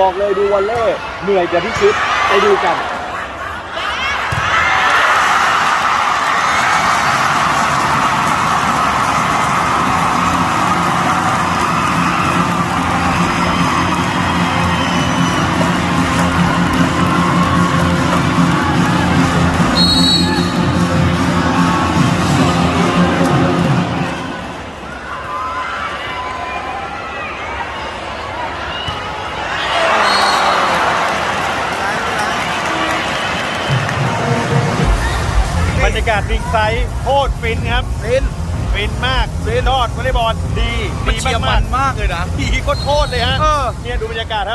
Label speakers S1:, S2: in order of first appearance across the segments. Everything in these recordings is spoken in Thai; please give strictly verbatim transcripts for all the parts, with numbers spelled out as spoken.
S1: บอกเลยดูวอลเล่เหนื่อยกว่าที่คิดไปดูกัน
S2: บรรยากาศริงไซด์โคตรฟินครับ
S3: ฟิน
S2: ฟินมากฟินยอดวอลเลย์บอลดี
S3: มันเชียร์มันมากเลยนะ
S2: ดีโคตรเลยฮะ
S3: เออ
S2: เนี่ยดูบรรยากาศครับ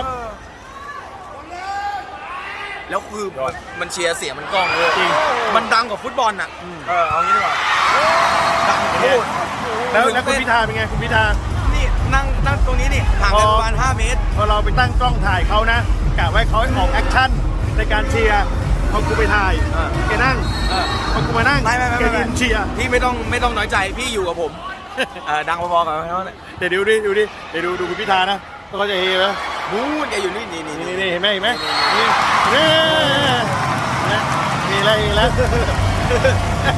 S3: แล้วคือมันมันเชียร์เสียงมันกล้องเลย
S2: จริง
S3: มันดังกว่าฟุตบอลอ่ะเออเอางี้ดีกว่าดังพูด
S2: แล้วแล้วคุณพิธาเป็นไงคุณพิธา
S3: นี่นั่งนั่งตรงนี้นี่ห่างกันประมาณห้าเมตร
S2: พอเราไปตั้งกล้องถ่ายเขานะกะไว้เขาให้ออกแอคชั่นในการเชียร์พอกูไปถ่าย
S3: อ่า
S2: แกนั่ง
S3: เออ
S2: พอกูมานั่ง
S3: ไม่ไม่ไม่
S2: แก
S3: ไม่
S2: ยืนเชียร์
S3: พี่ไม่ต้องไม่ต้องน้อยใจพี่อยู่กับผมเออดังพอๆกับเขาเนี่ย
S2: เดี๋ยวดูดิดูดิเดี๋ยวดูดูคุณพิธานะเขาจะเฮไหม
S3: มูนแกอยู่นี่นี่นี่
S2: นี่
S3: นี่
S2: นี่เห็นไหมเห็นไหมนี่นี่นี่อะไรอีกแล้ว